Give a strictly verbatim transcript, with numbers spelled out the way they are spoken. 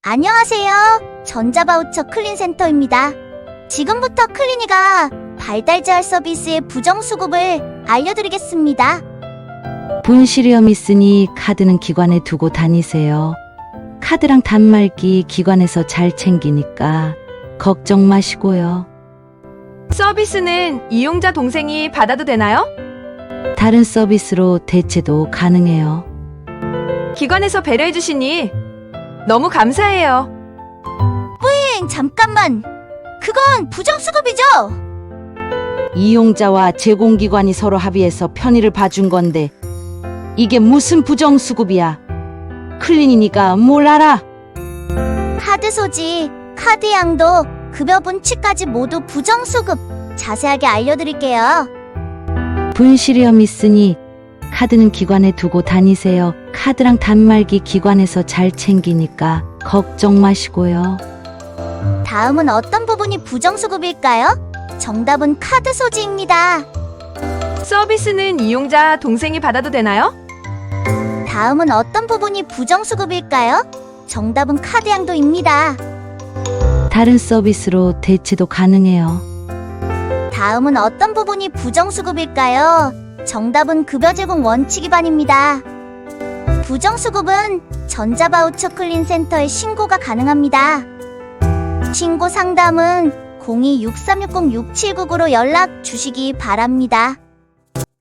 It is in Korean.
안녕하세요. 전자바우처 클린센터입니다. 지금부터 클린이가 발달재활 서비스의 부정수급을 알려드리겠습니다. 분실위험 있으니 카드는 기관에 두고 다니세요. 카드랑 단말기 기관에서 잘 챙기니까 걱정 마시고요. 서비스는 이용자 동생이 받아도 되나요? 다른 서비스로 대체도 가능해요. 기관에서 배려해 주시니 너무 감사해요. 엥, 잠깐만. 그건 부정수급이죠? 이용자와 제공기관이 서로 합의해서 편의를 봐준 건데 이게 무슨 부정수급이야. 클린이니까 뭘 알아? 카드 소지, 카드 양도, 급여 분치까지 모두 부정수급. 자세하게 알려드릴게요. 분실위험 있으니 카드는 기관에 두고 다니세요. 카드랑 단말기 기관에서 잘 챙기니까 걱정 마시고요. 다음은 어떤 부분이 부정수급일까요? 정답은 카드 소지입니다. 서비스는 이용자 동생이 받아도 되나요? 다음은 어떤 부분이 부정수급일까요? 정답은 카드 양도입니다. 다른 서비스로 대체도 가능해요. 다음은 어떤 부분이 부정수급일까요? 정답은 급여 제공 원칙 위반입니다. 부정수급은 전자바우처 클린센터에 신고가 가능합니다. 신고 상담은 공이 육삼육공 육칠구구로 연락 주시기 바랍니다.